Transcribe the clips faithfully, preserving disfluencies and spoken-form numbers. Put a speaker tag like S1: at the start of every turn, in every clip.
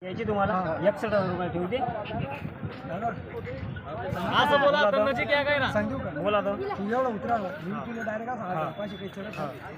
S1: याची तुम्हाला एकसष्ट हजार रुपये ठेवते.
S2: असं बोला तन्नाची काय काय ना
S3: सांगू का
S1: बोला तो
S3: तू एवढं उतरा मी तुला डायरेक्ट असं पाचशे काही चढत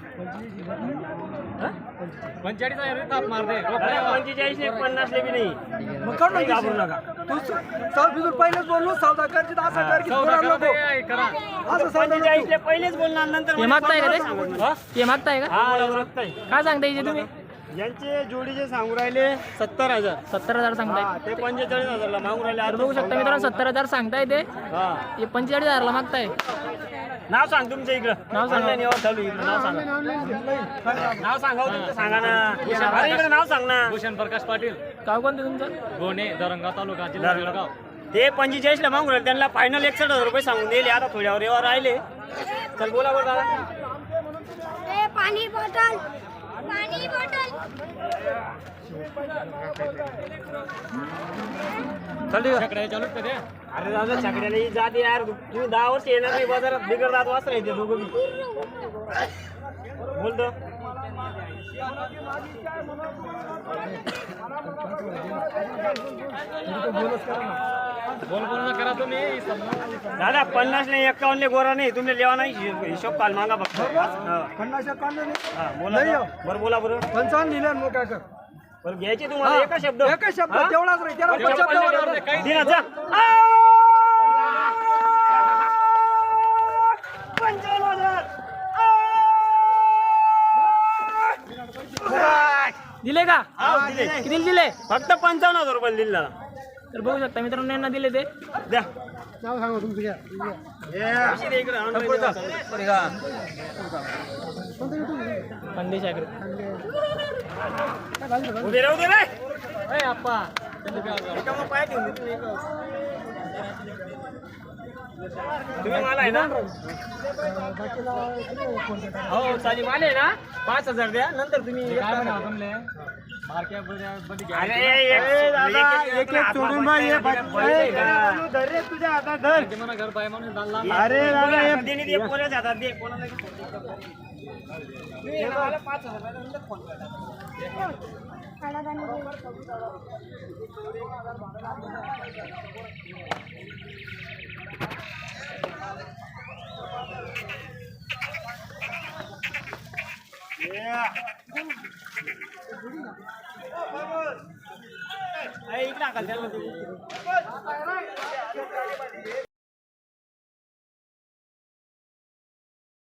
S2: पंचेचाळीस हजार थाप मारते
S1: पंचेचाळीस ने पन्नास ले बी नाही.
S3: मग कर ना
S1: घाबरू नका.
S3: तू साल बिजूर पहिलेच बोललो सौदा करची तर असं कर की थोडा नको
S2: करा
S3: असं सांग
S1: पंचेचाळीस ले पहिलेच बोलणार नंतर
S4: ते मागताय का ते
S1: हा?
S4: ते मागताय का
S1: हा मागताय.
S4: काय सांगता याचे तुम्ही
S1: यांचे जोडीचे सांगू राहिले सत्तर हजार.
S4: सत्तर हजार सांगताय
S1: हा, ते पंचेचाळीस हजारला मागू राहिले.
S4: तर बघू शकता मित्रांनो सत्तर हजार सांगताय ते
S1: हा
S4: हे पंचेचाळीस हजारला मागताय.
S1: नाव सांग तुमच्या इकडं.
S4: नाव सांगा.
S1: Online व्यवहार चालू आहे इकडं. नाव सांगा. नाव सांगा हो तुमचं, सांगा ना. अरे इकडे नाव सांग ना.
S2: भूषण प्रकाश पाटील
S4: गाव कोणतं तुमचं?
S2: गोणे दरंगाव तालुका जिल्हा जळगाव.
S1: ते पंचेचाळीस ला मागू राहिले. त्यांना फायनल एकसष्ट हजार रुपये सांगून दिले. आता थोड्यावर व्यवहार राहिले. चल बोला बरं दादा.
S5: ए पाणी बॉटल पाणी बॉटल
S2: सगळे चालू का ते
S1: अरे दादा छकड्याला ही जात यार. तुम्ही दहा वर्ष येणार नाही बाजारात. बिगर दात वाचता येते दोघं बी. बोलतो
S2: बोल बोल ना करा तुम्ही
S1: दादा पन्नास नाही एक्कावन्न ले गोरा नाही. तुम्ही लेवा नाही हिशोब काल मागा फक्त. हा.
S3: पन्नास एकावन्न नाही
S1: हा, बोला
S3: नाही हो.
S1: बरं बोला बरं.
S3: पंचावन्न दिले मग काय कर
S1: बरं घ्यायचे तुम्हाला एका शब्द.
S3: एकच शब्द
S1: हा?
S3: तेवढाच रे त्याला
S1: तेवढा
S3: शब्द
S1: पन्नास
S3: वाढवा.
S2: काही
S1: दिना जा. पंचावन्न हजार.
S4: दिले का
S1: हा, दिले.
S4: किती दिले?
S1: फक्त पंचावन्न हजार रुपये दिले दादा.
S4: तर बघू शकता मित्रांनो यांना दिले ते
S1: द्या.
S3: नाव सांगा तुमचं घ्या
S1: पैसे दे इकडं. online व्यवहार चालू आहे.
S4: खानदेश ॲग्रो.
S1: उभे राहू दे रे.
S2: ए आप्पा
S1: एका मग पाय ठेवून दे तुम्ही एका. तुम्ही मला आहे ना. हो चालेल. मला आहे ना पाच हजार द्या. नंतर तुम्ही
S2: काय म्हणा तुमले मार्केट मध्ये
S1: अरे एक दादा एक एक सोडून बा. ये धर रे तुझ्या हातात धर.
S2: म्हणा घर पाय म्हणून दाल
S1: अरे दादा एक देणे दे. कोणाच्या हातात दे. कोणाला तुम्ही मला पाच हजार नंतर फोन करा. इकडे टाकाल त्याला.